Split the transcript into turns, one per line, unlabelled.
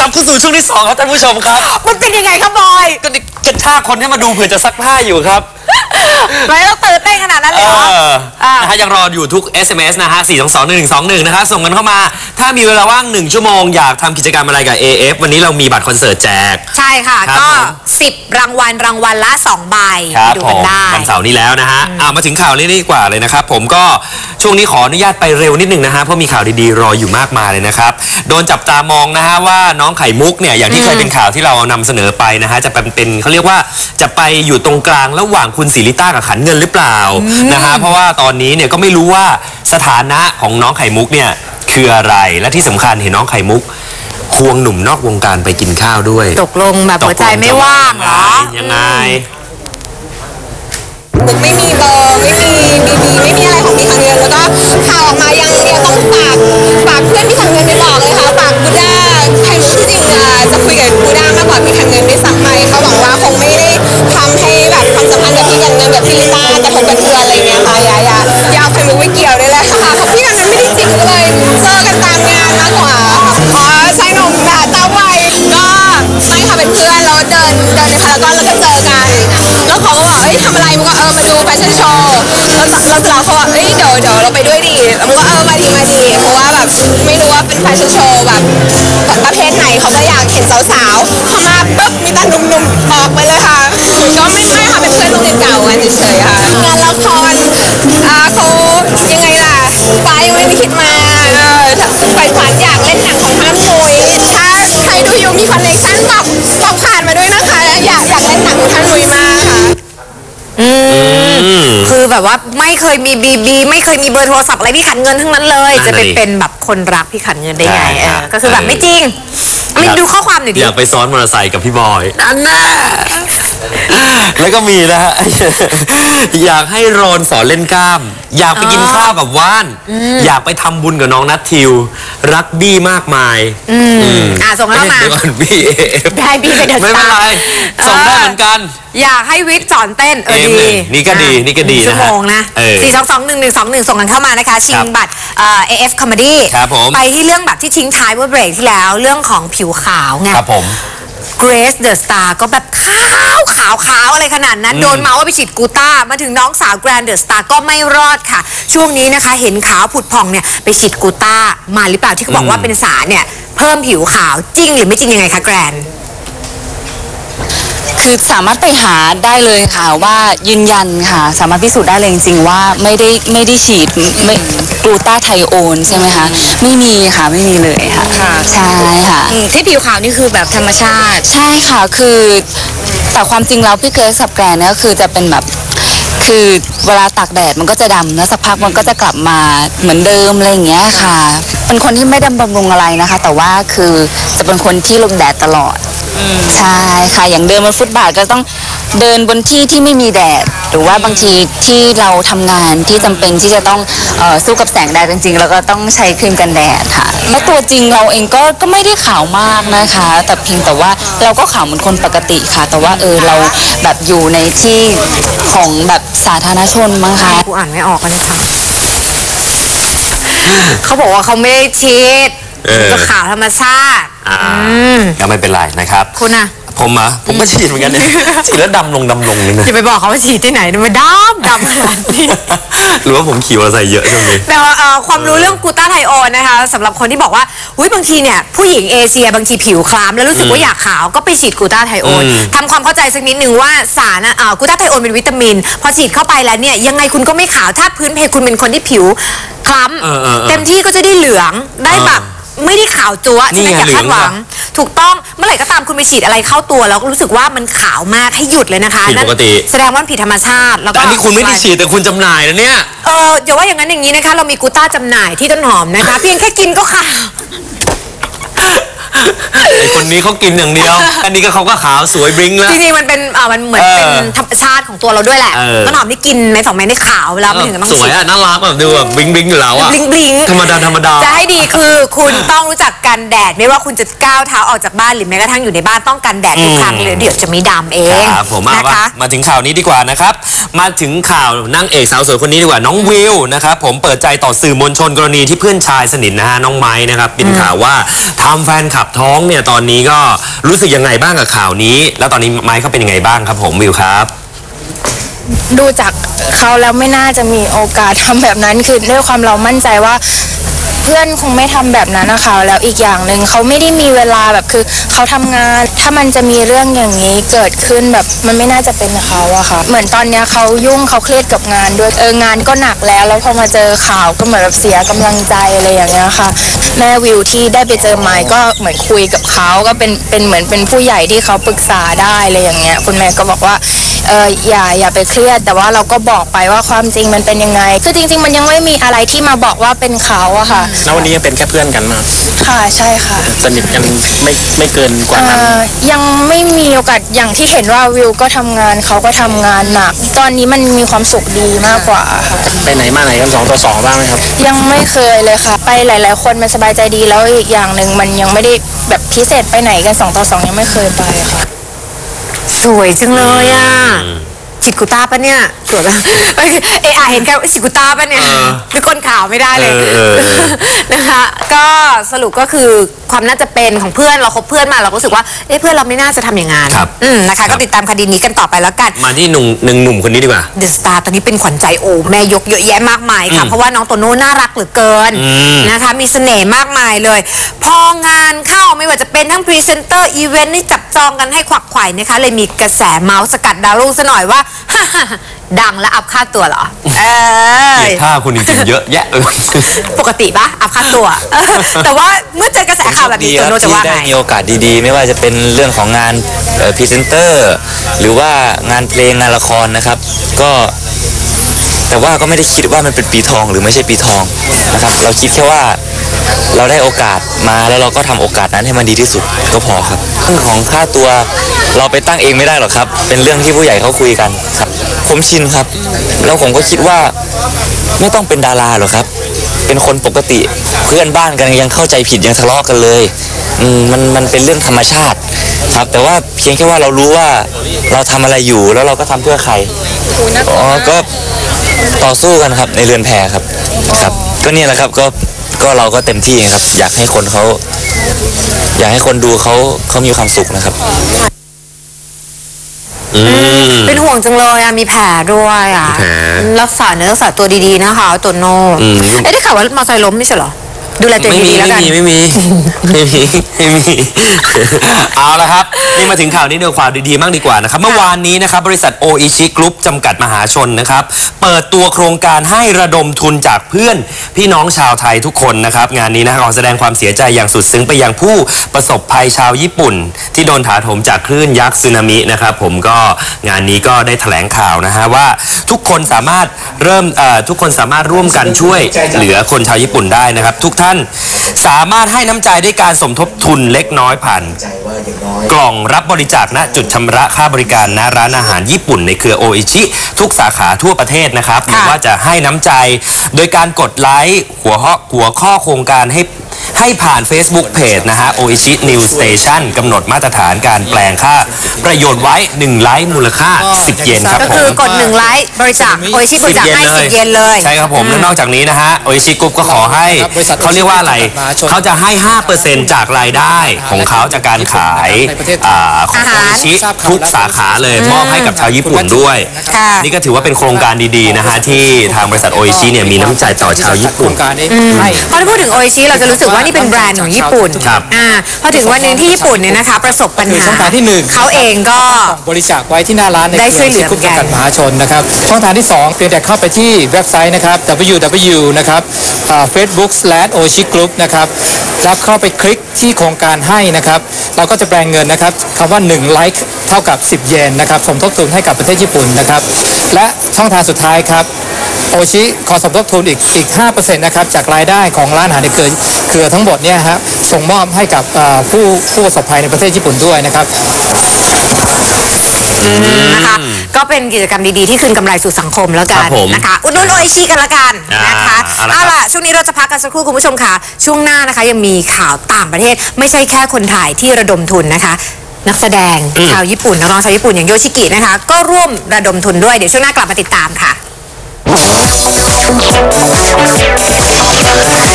บเข้าสู่ช่วงที่2ครับท่านผู้ชมครับ
มันเป็นยังไงครับบอย
ก็กระชากคนให้มาดูเผื่อจะซักผ้าอยู่ครับ
ไม่ต้องตื่นเต้นขนาดนั้นเลยเหรอ
นะฮะยังรออยู่ทุก SMS นะฮะ4221121นะคะส่งกันเข้ามาถ้ามีเวลาว่าง1ชั่วโมงอยากทำกิจกรรมอะไรกับ AF วันนี้เรามีบัตรคอนเสิร์ตแจก
ใช่ค่ะก็10รางวัลละ2ใบดูกันได้
วันเสาร์นี้แล้วนะฮะมาถึงข่าวนี้ดีกว่าเลยนะครับผมก็ช่วงนี้ขออนุญาตไปเร็วนิดนึงนะฮะเพราะมีข่าวดีๆรออยู่มากมายเลยนะครับโดนจับตามองนะฮะว่าน้องไข่มุกเนี่ยอย่างที่เคยเป็นข่าวที่เรานำเสนอไปนะฮะจะเป็นเขาเรียกว่าจะไปอยู่ตรงกลางระหว่างคุณศิริต้ากับขันเงินหรือเปล่านะฮะเพราะว่าตอนนี้เนี่ยก็ไม่รู้ว่าสถานะของน้องไข่มุกเนี่ยคืออะไรและที่สำคัญเห็นน้องไข่มุกควงหนุ่มนอกวงการไปกินข้าวด้วย
ตกลงแบบหัวใจไม่ว่างเหรอ
ยังไง
มุกไม่มีเบอร์ไม่มีBBไม่มีอะไรของพี่ขันเงินแล้วก็ข่าวออกมายังต้องฝากเพื่อนพี่ขันเงินไปบอกเลยค่ะฝากบูด้าไข่มุกที่จริงจะคุยกับบูด้ามากกว่าพี่ขันเงินด้วยซ้ำไปเขาหวังว่าคงไม่ได้ทำให้แบบความสัมพันธ์กับพี่ขันเงินแบบพี่ลิต้ากระทบกระเทือนอะไรเงี้ยค่ะอย่าเอาไข่มุกไปเกี่ยวเลยค่ะเพราะพี่ขันเงินไม่ได้จริงเลยเจอกันตามงานมากกว่าชายหนุ่มตาไวก็ไม่ค่ะเป็นเพื่อนเราเดินในพารากอนแล้วก็เจอกันแล้วเขาก็บอกทำอะไรมึงก็มาดูแฟชั่นโชว์แล้วเขาบอกเดี๋ยวเราไปด้วยดิแล้วมึงก็มาดีเพราะว่าแบบไม่รู้ว่าเป็นแฟชั่นโชว์แบบประเภทไหนเขาก็อยากเห็นสาวๆพอมาปุ๊บมีแต่หนุ่มๆออกไปเลยค่ะก็ไม่ค่ะเป็นเพื่อนโรงเรียนเก่ากันเฉยๆค่ะงานละครเขายังไงล่ะฟ้ายังไม่ได้คิดมาไฟฝันอยากเล่นหนังของท่านนุ้ยถ้าใครดูอยู่มีคอนเนคชั่นบอกผ่านมาด้วยนะคะอยากเล่นหนังของท่านนุ้ยมากค่ะ
คือแบบว่าไม่เคยมีBBไม่เคยมีเบอร์โทรศัพท์อะไรพี่ขันเงินทั้งนั้นเลยจะไปเป็นแบบคนรักพี่ขันเงินได้ไงก็คือแบบไม่จริงมินดูข้อความหน่อยดิ
อยากไปซ้อนมอเตอร์ไซค์กับพี่บอย
อันน่ะ
แล้วก็มีนะฮะอยากให้โรนสอนเล่นกล้ามอยากไปกินข้าวกับว่านอยากไปทำบุญกับน้องนัททิวรักบี้มากมาย
ส่งเข้ามา
บี้
ได้บี้ไปเดินไม่
เป็นไรส่งได้เหมือนกัน
อยากให้วิทย์สอนเต้นดี
นี่ก็ดี
ชั่วโมงนะ4221121ส่งกันเข้ามานะคะชิงบัตรAF Comedy ไปที่เรื่องแบบที่ทิ้งท้ายเมื่อเบรกที่แล้วเรื่องของผิวขาวไง
ครับผม
Grace the Star ก็แบบขาวอะไรขนาดนั้นโดนเมาว่าไปฉีดกูต้ามาถึงน้องสาว Grand the Star ก็ไม่รอดค่ะช่วงนี้นะคะเห็นขาวผุดผ่องเนี่ยไปฉีดกูต้ามาหรือเปล่าที่เขาบอกว่าเป็นสารเนี่ยเพิ่มผิวขาวจริงหรือไม่จริงยังไงคะ Grand
คือสามารถไปหาได้เลยค่ะว่ายืนยันค่ะสามารถพิสูจน์ได้เลยจริงๆว่าไม่ได้ฉีดกลูตาไทโอนใช่ไหมคะไม่มีค่ะไม่มีเลยค่ะใช่ค่ะ
ที่ผิวขาวนี่คือแบบธรรมชาติ
ใช่ค่ะคือแต่ความจริงแล้วพี่เกรซกับแกรนเนี่ยคือจะเป็นแบบคือเวลาตากแดดมันก็จะดำแล้วสักพักมันก็จะกลับมาเหมือนเดิมอะไรอย่างเงี้ยค่ะเป็นคนที่ไม่ดำบำรุงอะไรนะคะแต่ว่าคือจะเป็นคนที่ลงแดดตลอดใช่ค่ะอย่างเดินบนฟุตบาทก็ต้องเดินบนที่ที่ไม่มีแดดหรือว่าบางทีที่เราทำงานที่จำเป็นที่จะต้องสู้กับแสงแดดจริงๆแล้วก็ต้องใช้ครีมกันแดดค่ะแล้วตัวจริงเราเองก็ไม่ได้ขาวมากนะคะแต่เพียงแต่ว่าเราก็ขาวเหมือนคนปกติค่ะแต่ว่าเราแบบอยู่ในที่ของแบบสาธารณชนมั้งคะ
กูอ่านไม่ออกกันนะคะเขาบอกว่าเขาไม่ได้ฉีดก็ขาวธรรมชาติ
ก็ไม่เป็นไรนะครับ
คุณอะ
ผมก็ฉีดเหมือนกันเนี่ยฉีดแล้วดำลงนี่นะ
อย่าไปบอกเขาว่าฉีดที่ไหนมันดำขนาดนี้
หรือว่าผมขี่มอเตอร์ไซค์เยอะช่วงนี้
แต่ความรู้เรื่องกูต้าไทโอนนะคะสำหรับคนที่บอกว่าบางทีเนี่ยผู้หญิงเอเชียบางทีผิวคล้ำแล้วรู้สึกว่าอยากขาวก็ไปฉีดกูต้าไทโอนทำความเข้าใจสักนิดนึงว่าสารกูต้าไทโอนเป็นวิตามินพอฉีดเข้าไปแล้วเนี่ยยังไงคุณก็ไม่ขาวถ้าพื้นเพคุณเป็นคนที่ผิวคล้ำเต็มที่ก็จะได้เหลืองได้แบบไม่ได้ขาวจั๊วใช่ไหมอย่าคาดหวังถูกต้องเมื่อไหร่ก็ตามคุณไปฉีดอะไรเข้าตัวแล้วรู้สึกว่ามันขาวมากให้หยุดเลยนะคะ
ผิดปกติ
แสดงว่าผิดธรรมชาติแล้วก็
อันนี้คุณไม่ได้ฉีดแต่คุณจำหน่ายนะเนี่ย
อย่าว่าอย่างนั้นอย่างนี้นะคะเรามีกูต้าจำหน่ายที่ต้นหอมนะคะเพียงแค่กินก็ขาว
ไอคนนี้เขากินอย่างเดียวอันนี้ก็เขาก็ขาวสวยบลิ้งแล้ว
จริงๆมันเป็นมันเหมือนเป็นธรรมชาติของตัวเราด้วยแหละต้นหอมที่กินใน2 เม็ดได้ขาวแล้วไม่ถึงกับต้อง
สวยน่ารักแบบดูแบบบลิ้งอยู่แล้วอะ
บลิ้ง
ธรรมดา
จะให้ดีคือคุณต้องรู้จักกันแดดไม่ว่าคุณจะก้าวเท้าออกจากบ้านหรือแม้กระทั่งอยู่ในบ้านต้องกันแดดทุกครั้งเลยเดี๋ยวจะไม่ดำเอง
ครับผมมาถึงข่าวนี้ดีกว่านะครับมาถึงข่าวนางเอกสาวสวยคนนี้ดีกว่าน้องวิวนะครับผมเปิดใจต่อสื่อมวลชนกรณีที่เพื่อนชายสนิทนะฮะน้องไม้นะครับเป็นข่าวว่าทำแฟนคลับท้องเนี่ยตอนนี้นี้ก็รู้สึกยังไงบ้างกับข่าวนี้ แล้วตอนนี้ไม้เขาเป็นยังไงบ้างครับผมวิวครับ
ดูจากเขาแล้วไม่น่าจะมีโอกาสทำแบบนั้นคือด้วยความเรามั่นใจว่าเพื่อนคงไม่ทำแบบนั้นนะคะแล้วอีกอย่างหนึ่งเขาไม่ได้มีเวลาแบบคือเขาทำงานถ้ามันจะมีเรื่องอย่างนี้เกิดขึ้นแบบมันไม่น่าจะเป็นเขาอะค่ะเหมือนตอนเนี้ยเขายุ่งเขาเครียดกับงานด้วยงานก็หนักแล้วพอมาเจอข่าวก็เหมือนแบบเสียกำลังใจอะไรอย่างเงี้ยค่ะแม่วิวที่ได้ไปเจอไมค์ก็เหมือนคุยกับเขาก็เป็นเหมือนเป็นผู้ใหญ่ที่เขาปรึกษาได้อะไรอย่างเงี้ยคุณแม่ก็บอกว่าอย่าไปเครียดแต่ว่าเราก็บอกไปว่าความจริงมันเป็นยังไงคือจริงๆมันยังไม่มีอะไรที่มาบอกว่าเป็นเขาอะค่ะ
แล้ววันนี้ยังเป็นแค่เพื่อนกันมา
ค่ะใช่ค่ะ
สนิทกันไม่เกินกว่านั้น
ยังไม่มีโอกาสอย่างที่เห็นว่าวิวก็ทำงานเขาก็ทำงานหนักตอนนี้มันมีความสุขดีมากกว่าค่ะ
ไปไหนมาไหนกัน2 ต่อ 2บ้างไหมครับ
ยังไม่เคยเลยค่ะ ไปหลายๆคนมันสบายใจดีแล้วอีกอย่างหนึ่งมันยังไม่ได้แบบพิเศษไปไหนกัน2 ต่อ 2ยังไม่เคยไปค่ะ
สวยจังเลยอ่ะจิตกุต้าปะเนี่ยสวยปะเห็นแค่จิตกุต้าปะเนี่ยคือก้นข่าวไม่ได้เลยนะคะก็สรุปก็คือความน่าจะเป็นของเพื่อนเราคบเพื่อนมาเราก็รู้สึกว่าเพื่อนเราไม่น่าจะทำอย่างนั้น
ครับ
นะคะก็ติดตามคดีนี้กันต่อไปแล้วกัน
มาที่หนุ่มคนนี้ดีกว่า
เดอะสตาร์ตอนนี้เป็นขวัญใจแม่ยกเยอะแยะมากมายค่ะเพราะว่าน้องโตโน่น่ารักเหลือเกินนะคะมีเสน่ห์มากมายเลย พองานเข้าไม่ว่าจะเป็นทั้งพรีเซนเตอร์อีเวนต์นี่จับจองกันให้ขวักไขว่นะคะเลยมีกระแสเมาส์สกัดดาวรุ่งซะหน่อยว่า ดังและอัพค่าตัวเหรอ
เกลียดท่าคุณจริงๆเยอะแยะ
ปกติปะอัพค่าตัวแต่ว่าเมื่อเจอกระแสข่าวแบบนี้โตโน่จะว่า
ที่
ไง
ได้มีโอกาสดีๆ ไม่ว่าจะเป็นเรื่องของงานพรีเซนเตอร์หรือว่างานเพลงงานละครนะครับก็แต่ว่าก็ไม่ได้คิดว่ามันเป็นปีทองหรือไม่ใช่ปีทองนะครับเราคิดแค่ว่าเราได้โอกาสมาแล้วเราก็ทำโอกาสนั้นให้มันดีที่สุดก็พอครับเรื่องของค่าตัวเราไปตั้งเองไม่ได้หรอกครับเป็นเรื่องที่ผู้ใหญ่เขาคุยกันครับผมชินครับแล้วผมก็คิดว่าไม่ต้องเป็นดาราหรอกครับเป็นคนปกติเพื่อนบ้านกันยังเข้าใจผิดยังทะเลาะกันเลยมันเป็นเรื่องธรรมชาติครับแต่ว่าเพียงแค่ว่าเรารู้ว่าเราทำอะไรอยู่แล้วเราก็ทำเพื่อใครก็ต่อสู้กันครับในเรือนแพครับก็เนี่ยแหละครับก็เราก็เต็มที่ครับอยากให้คนดูเขามีความสุขนะครับ
เป็นห่วงจังเลยอะมีแผลด้วยอะ
แผล
รักษาเนื้อรักษาตัวดีๆนะคะโตโน่ได้ข่าวว่ามอเตอร์ไซค์ล้มไม่ใช่เหรอดูแลตัวเองดีๆแล้วกัน
ไม่มี เอาละครับนี่มาถึงข่าวนี้เดี๋ยวความดีๆมากดีกว่านะครับเมื่อวานนี้นะครับบริษัทโออิชิกรุ๊ปจำกัดมหาชนนะครับเปิดตัวโครงการให้ระดมทุนจากเพื่อนพี่น้องชาวไทยทุกคนนะครับงานนี้นะขอแสดงความเสียใจอย่างสุดซึ้งไปยังผู้ประสบภัยชาวญี่ปุ่น ที่โดนถาโถมจากคลื่นยักษ์สึนามินะครับผมก็งานนี้ก็ได้แถลงข่าวนะฮะว่าทุกคนสามารถร่วมกันช่วยเหลือคนชาวญี่ปุ่นได้นะครับทุกท่านสามารถให้น้ำใจด้วยการสมทบทุนเล็กน้อยผ่านกล่องรับบริจาคณจุดชำระค่าบริการณร้านอาหารญี่ปุ่นในเครือโออิชิทุกสาขาทั่วประเทศนะครับหรือว่าจะให้น้ำใจโดยการกดไลค์หัวข้อโครงการให้ผ่าน Facebook Page นะฮะ Oishi New Station กำหนดมาตรฐานการแปลงค่าประโยชน์ไว้1ไลค์มูลค่า10 เยนครับ
ก็
ผ
คือ
ม
กด1ไลค์บริจาคโอชิบริจาคให้10 เยนเลย
ใช่ครับผมและนอกจากนี้นะฮะโออิชิกรุ๊ปก็ขอให้เขาเรียกว่าอะไรเขาจะให้ 5% จากรายได้ของเขาจากการขายของโออิชิทุกสาขาเลยมอบให้กับชาวญี่ปุ่นด้วยนี่ก็ถือว่าเป็นโครงการดีๆนะฮะที่ทางบริษัทโออิชิเนี่ยมีน้ำใจต่อชาวญี่ปุ่น
พอพูดถึงโออิชิเราจะรู้สึกว่านี่เป็นแบรนด์ของญี่ปุ่นพอถึงวันหนึ่งที่ญี่ปุ่นเนี่ยนะคะประสบปัญหา
ช่องทางที่1
เขาเองก็
บริจาคไว้ที่หน้าร้านใน
ได้ช่วยเหลือ
กลุ่มจำกัดมหาชนนะครับช่องทางที่2เพียงแต่เข้าไปที่เว็บไซต์นะครับ www นะครับfacebook/oishigroup นะครับแล้วเข้าไปคลิกที่โครงการให้นะครับเราก็จะแปลงเงินนะครับคำว่า1ไลค์เท่ากับ10 เยนนะครับสมทบทุนให้กับประเทศญี่ปุ่นนะครับและช่องทางสุดท้ายครับโอชิขอสมทบทุนอีก 5% นะครับจากรายได้ของร้านอาหารในเครือทั้งหมดเนี่ยฮะส่งมอบให้กับผู้ประสบภัยในประเทศญี่ปุ่นด้วยนะครับ
นะคะก็เป็นกิจกรรมดีๆที่คืนกำไรสู่สังคมแล้วกันนะคะอุดหนุนโออิชิกันละกันนะคะเอาล่ะช่วงนี้เราจะพักกันสักครู่คุณผู้ชมค่ะช่วงหน้านะคะยังมีข่าวต่างประเทศไม่ใช่แค่คนไทยที่ระดมทุนนะคะนักแสดงชาวญี่ปุ่นนักร้องชาวญี่ปุ่นอย่างโยชิกินะคะก็ร่วมระดมทุนด้วยเดี๋ยวช่วงหน้ากลับมาติดตามค่ะ